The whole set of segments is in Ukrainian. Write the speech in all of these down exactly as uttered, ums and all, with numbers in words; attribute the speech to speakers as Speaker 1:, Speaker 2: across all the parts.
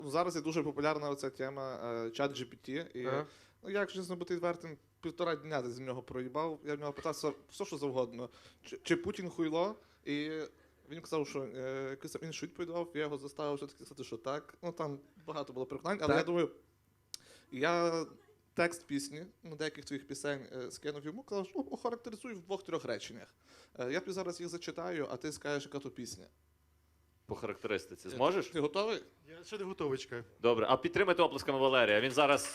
Speaker 1: Зараз є дуже популярна оця тема чат джі пі ті. І,
Speaker 2: Ага.
Speaker 1: ну, я, якщо чесно бути відвертим, півтора дня десь з нього проїбав. Я в нього питався все, що завгодно. Чи, чи Путін хуйло? І він казав, що е, якийсь там інший відповідав, я його заставив все-таки сказати, що так. Ну там багато було переконань, але
Speaker 2: Так.
Speaker 1: я думаю, я текст пісні, ну, деяких твоїх пісень е, скинув йому, казав, що ну, охарактеризуй в двох-трьох реченнях. Е, я тобі зараз їх зачитаю, а ти скажеш, яка то пісня.
Speaker 3: По характеристиці. Зможеш?
Speaker 1: Ти готовий?
Speaker 4: Я ще не готовий, чекаю.
Speaker 3: Добре. А підтримайте оплесками Валерія. Він зараз...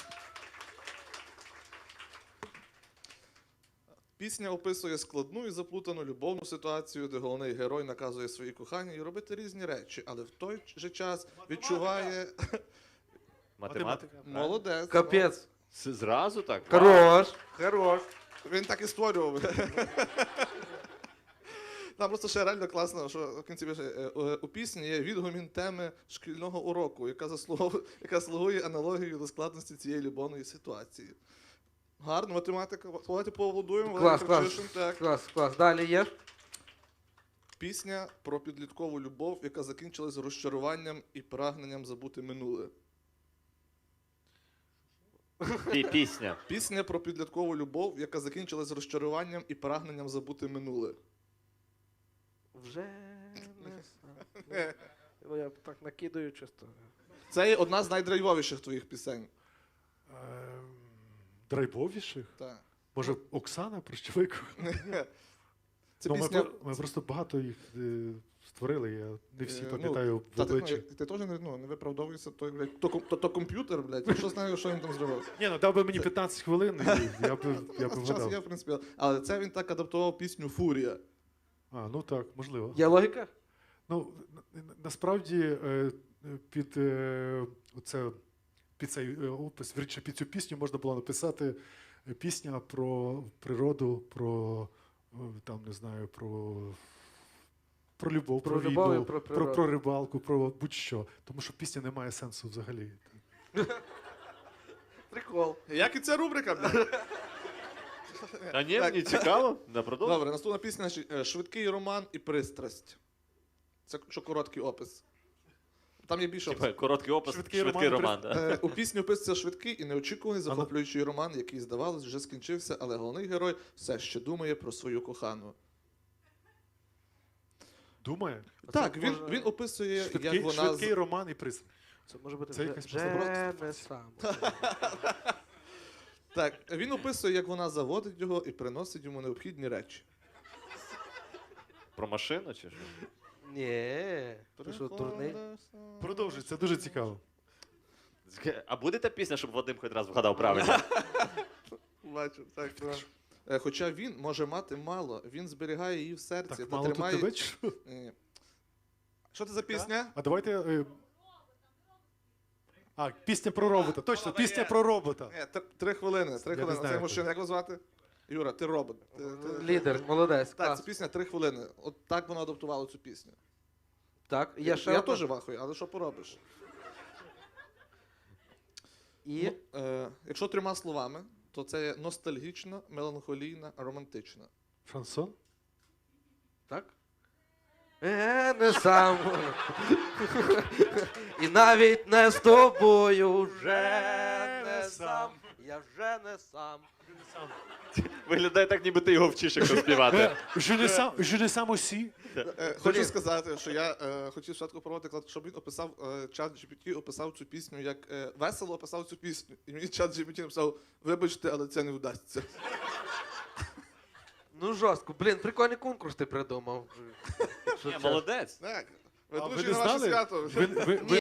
Speaker 1: Пісня описує складну і заплутану любовну ситуацію, де головний герой наказує своїй коханій робити різні речі, але в той же час відчуває...
Speaker 3: Математика.
Speaker 1: Молодець.
Speaker 2: Капець.
Speaker 3: С- Зразу так?
Speaker 2: Хорош. Хорош.
Speaker 1: Він так і створював. Там просто ще реально класно, що в кінці пише, е, е, у пісні є відгомін теми шкільного уроку, яка, заслуговує, яка слугує аналогією до складності цієї любовної ситуації. Гарно, математика. Давайте поаплодуємо.
Speaker 2: Клас,
Speaker 1: Валерій
Speaker 2: клас.
Speaker 1: Кравчишин, так.
Speaker 2: Клас, клас. Далі є.
Speaker 1: Пісня про підліткову любов, яка закінчилась розчаруванням і прагненням забути минуле.
Speaker 3: Пі- Пісня.
Speaker 1: Пісня про підліткову любов, яка закінчилась розчаруванням і прагненням забути минуле.
Speaker 2: Вже не сам. Ну, я так накидаю чисто.
Speaker 1: Це є одна з найдрайвовіших твоїх пісень.
Speaker 4: Ем, Драйвовіших?
Speaker 1: Так.
Speaker 4: Може, Оксана Прощовик?
Speaker 1: Це
Speaker 4: Ну, ми,
Speaker 1: пісня...
Speaker 4: про- ми просто багато їх е, створили, я не всі
Speaker 1: Е, ну,
Speaker 4: пам'ятаю в
Speaker 1: Та ти, ну,
Speaker 4: обличчя.
Speaker 1: ти теж не, ну, не виправдовуєшся, то, блядь, то, ком- то, то комп'ютер, блядь, я що знаю, що він там зробив.
Speaker 4: Ні, ну дав би мені п'ятнадцять хвилин, і я би, я би
Speaker 1: Час є,
Speaker 4: вгадав.
Speaker 1: в принципі, але це він так адаптував пісню «Фурія».
Speaker 4: А, ну так, можливо.
Speaker 2: Є логіка?
Speaker 4: Ну, на- на- насправді е, під, е, оце, під цей е, опис, вірніше, під цю пісню можна було написати е, пісня про природу, про е, там, не знаю, про, про любов,
Speaker 2: Про
Speaker 4: про,
Speaker 2: любов і
Speaker 4: війну,
Speaker 2: про
Speaker 4: про,
Speaker 2: природу.
Speaker 4: про рибалку, про будь-що. Тому що пісня не має сенсу взагалі.
Speaker 2: Прикол.
Speaker 1: Як і ця рубрика, блядь.
Speaker 3: А ні,
Speaker 1: Так.
Speaker 3: мені цікаво. На продовжуй.
Speaker 1: Добре, наступна пісня е, «Швидкий роман і пристрасть». Це що короткий опис. Там є більше
Speaker 3: Типа,
Speaker 1: опис.
Speaker 3: короткий опис,
Speaker 4: Швидкий
Speaker 3: швидкий,
Speaker 4: роман,
Speaker 3: роман. да.
Speaker 1: Е, У пісні описується швидкий і неочікуваний захоплюючий роман, який, здавалось, вже скінчився, але головний герой все ще думає про свою кохану.
Speaker 4: Думає?
Speaker 1: Так, він,
Speaker 2: може-
Speaker 1: він описує,
Speaker 4: Швидкий,
Speaker 1: як вона...
Speaker 4: швидкий
Speaker 1: з-
Speaker 4: роман і пристрасть.
Speaker 2: Це може бути
Speaker 4: Це
Speaker 2: вже,
Speaker 4: якась
Speaker 2: вже
Speaker 4: просто
Speaker 2: не сам.
Speaker 1: Так, він описує, як вона заводить його і приносить йому необхідні речі.
Speaker 3: Про машину чи що?
Speaker 2: Ні. Ти що, дурний?
Speaker 4: Продовжуй, це дуже цікаво.
Speaker 3: А буде та пісня, щоб Вадим хоч раз вгадав правильно?
Speaker 1: Бачу, так. Е, Хоча він може мати мало, він зберігає її в серці
Speaker 4: Так,
Speaker 1: та
Speaker 4: мало тут
Speaker 1: тримає...
Speaker 4: тебе, чи що?
Speaker 1: Ні. Що це за пісня?
Speaker 4: А давайте. е, А, пісня про робота. Точно, пісня про робота.
Speaker 1: Ні, три, три хвилини. Три
Speaker 4: Я не
Speaker 1: хвилини.
Speaker 4: знаю,
Speaker 1: Це мужчина, як вас звати? Юра, ти робот. Ти- ти-
Speaker 2: Лідер, молодець.
Speaker 1: Так,
Speaker 2: клас.
Speaker 1: це пісня три хвилини. От так вона адаптувала цю пісню.
Speaker 2: Так, є ще
Speaker 1: Я
Speaker 2: одна.
Speaker 1: теж вахую, але що поробиш?
Speaker 2: І
Speaker 1: Ну, е, якщо трьома словами, то це є ностальгічна, меланхолійна, романтична.
Speaker 4: Шансон?
Speaker 2: так? Е, не сам. І навіть не з тобою вже не сам. Я вже не сам.
Speaker 3: Виглядає так, ніби ти його вчиш, якщо співати.
Speaker 4: Je ne sens, je ne sens aussi.
Speaker 1: Е, хочу сказати, що я е, хотів спочатку проводити, щоб він описав, е, чат джі пі ті описав цю пісню, як е, весело описав цю пісню. І мені чат джі пі ті написав, вибачте, але це не вдасться.
Speaker 2: Ну жорстко. Блін, прикольний конкурс ти придумав. Якщо
Speaker 3: Ні,
Speaker 2: чесно.
Speaker 3: молодець.
Speaker 1: Так,
Speaker 4: А ви
Speaker 1: ведучий
Speaker 4: не
Speaker 1: на ваше
Speaker 4: знали?
Speaker 1: свято.
Speaker 4: Ви, ви, ви,